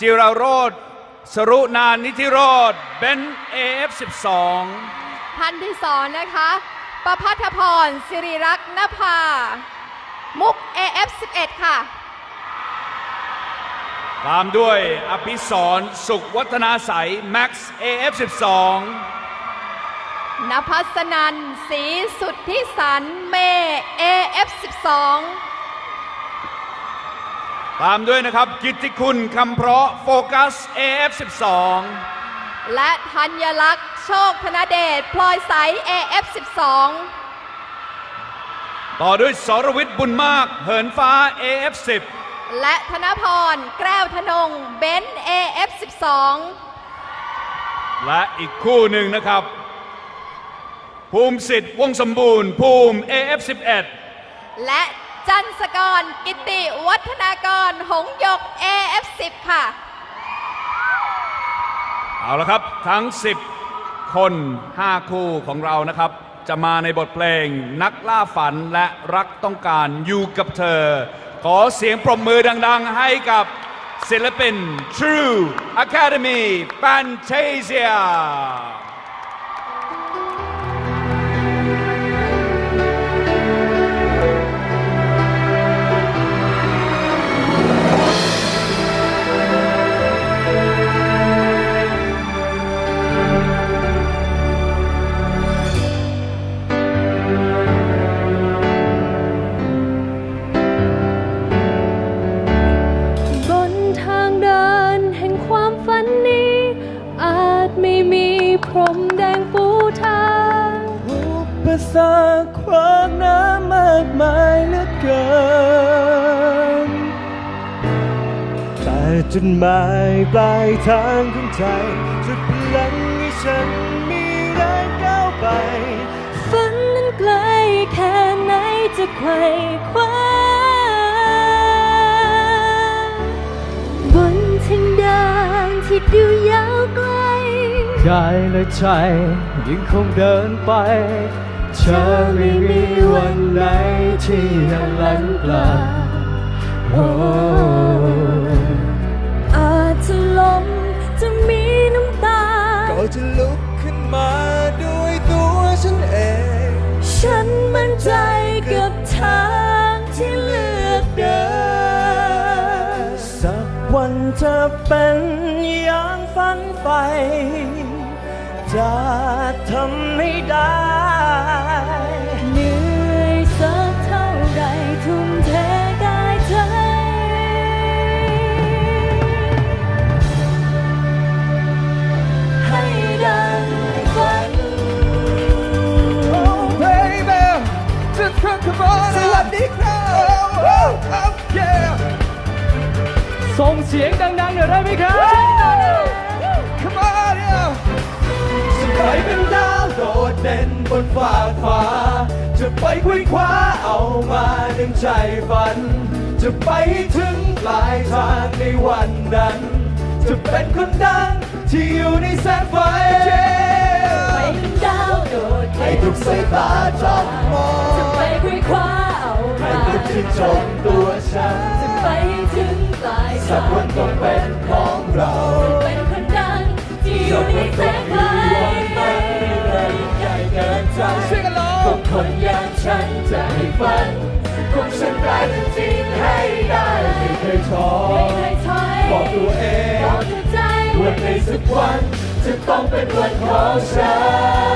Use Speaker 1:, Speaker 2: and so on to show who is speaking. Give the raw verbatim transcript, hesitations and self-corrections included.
Speaker 1: จิราโรจน์สรุนานนิธิโรจน์เบน เอ เอฟ สิบสอง
Speaker 2: ท่านที่สองนะคะประภัทพรสิริรักษ์นภามุก เอ เอฟ สิบเอ็ด ค่ะ
Speaker 1: ตามด้วยอภิสรสุขวัฒนาใสแม็กซ์ เอ เอฟ สิบสอง
Speaker 2: นภัสนันศรีสุทธิสันเม เอ เอฟ สิบสอง
Speaker 1: ตามด้วยนะครับกิตติคุณคำเพราะโฟกัส เอ เอฟ สิบสอง
Speaker 2: และธัญลักษณ์โชคธนเดชพลอยใส เอ เอฟ สิบสอง
Speaker 1: ต่อด้วยสรวิทย์บุญมากเหินฟ้า เอ เอฟ สิบ
Speaker 2: และธนพรแก้วธนงเบน เอ เอฟ สิบสอง
Speaker 1: และอีกคู่หนึ่งนะครับภูมิสิทธิ์วงสมบูรณ์ภูมิ เอ เอฟ สิบเอ็ด
Speaker 2: และจันสกรกิติวัฒนากรหงหยก เอ เอฟ สิบ ค่ะ
Speaker 1: เอาละครับทั้งสิบคนห้าคู่ของเรานะครับจะมาในบทเพลงนักล่าฝันและรักต้องการอยู่กับเธอขอเสียงปรบมือดังๆให้กับศิลปิน True Academy Fantasia
Speaker 3: พรมแดงปูทางอุปสรรคขวางน้ำมากมายเหลือเกินแต่จุดหมายปลายทางของใจจุดพลังให้ฉันมีแรงก้าวไปฝันนั้นไกลแค่ไหนจะไขว่คว้าบนทางเดินที่ดูยาวไกลกายและใจยังคงเดินไปเธอไม่มีวันไหนที่ยังหลังกลาโอ้อาจจะล้มจะมีน้ำตาก็จะลุกขึ้นมาด้วยตัวฉันเองฉันมั่นใจกับทางที่เลือกเดินสักวันจะเป็นอย่างฝันไปจะทำให้ได้เหนื่อยสักเท่าไรทุ่มเทกายใจให้ดังฝัน
Speaker 4: Oh baby just come on สวัสดีครับ Oh oh oh yeah
Speaker 3: ส่งเสียงดังๆหน่อยได้ไหมครับ
Speaker 4: Come on yeah
Speaker 3: จะไปเป็นดาวโดดเด่นบนฟ้าฟ้าจะไปคุยคว้าเอามาดึงใจฝันจะไปให้ถึงปลายทางในวันนั้นจะเป็นคนดังที่อยู่ในแสงไฟไปเป็นดาวโดดให้ทุกสายตาจ้องมองจะไปคุยคว้าเอามาให้ทุกที่ชมตัวฉันจะไปให้ถึงปลายทางสักวันต้องเป็นของเราจะเป็นคนดังที่อยู่ในแสงไฟ
Speaker 4: Sing along
Speaker 3: พวกคนอย่างฉันจะให้ฝันพวกฉันกลายเป็นจริงให้ได้ไม่เคยท้อบอกตัวเองว่าในสักวันจะต้องเป็นวันของฉัน